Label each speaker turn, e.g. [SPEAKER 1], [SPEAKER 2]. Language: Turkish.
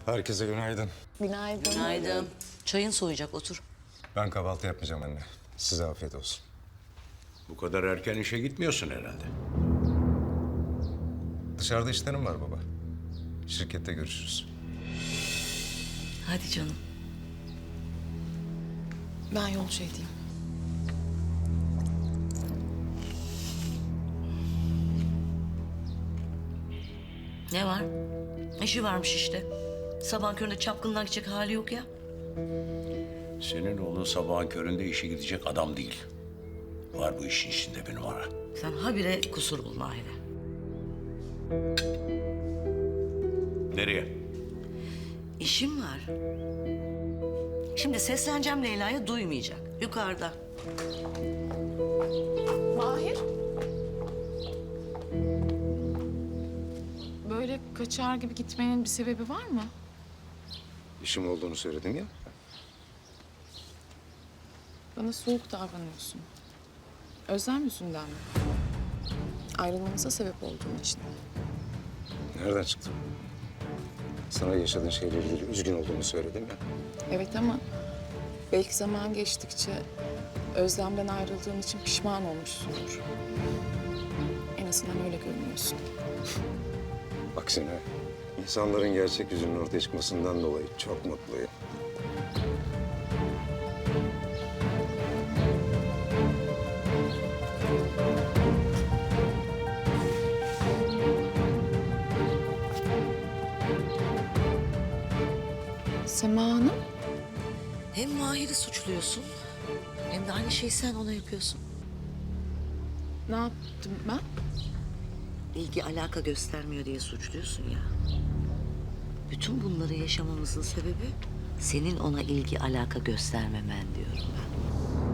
[SPEAKER 1] Herkese günaydın.
[SPEAKER 2] Günaydın.
[SPEAKER 3] Günaydın. Çayın soğuyacak, otur.
[SPEAKER 1] Ben kahvaltı yapmayacağım anne. Size afiyet olsun.
[SPEAKER 4] Bu kadar erken işe gitmiyorsun herhalde.
[SPEAKER 1] Dışarıda işlerim var baba. Şirkette görüşürüz.
[SPEAKER 3] Hadi canım.
[SPEAKER 2] Ben yolcu edeyim.
[SPEAKER 3] Ne var? İşi varmış işte. Sabah köründe çapkınlığa gidecek hali yok ya.
[SPEAKER 4] Senin oğlun sabahın köründe işe gidecek adam değil. Var bu işin içinde bir numara.
[SPEAKER 3] Sen habire kusur bul Mahir'e.
[SPEAKER 4] Nereye?
[SPEAKER 3] İşim var. Şimdi sesleneceğim Leyla'ya, duymayacak. Yukarıda.
[SPEAKER 2] Mahir. Böyle kaçar gibi gitmenin bir sebebi var mı?
[SPEAKER 1] İşim olduğunu söyledim ya.
[SPEAKER 2] Bana soğuk davranıyorsun. Özlem yüzünden mi? Ayrılmamıza sebep olduğun için.
[SPEAKER 1] Nereden çıktı? Sana yaşadığın şeyle ilgili üzgün olduğumu söyledim ya.
[SPEAKER 2] Evet ama belki zaman geçtikçe Özlem'den ayrıldığın için pişman olmuşsundur. En azından öyle görünüyorsun.
[SPEAKER 1] Aksine insanların gerçek yüzünün ortaya çıkmasından dolayı çok mutluyum.
[SPEAKER 2] Sema Hanım,
[SPEAKER 3] Hem Mahir'i suçluyorsun, hem de aynı şeyi sen ona yapıyorsun.
[SPEAKER 2] ne yaptım ben?
[SPEAKER 3] İlgi alaka göstermiyor diye suçluyorsun ya. Bütün bunları yaşamamızın sebebi senin ona ilgi alaka göstermemen diyorum ben.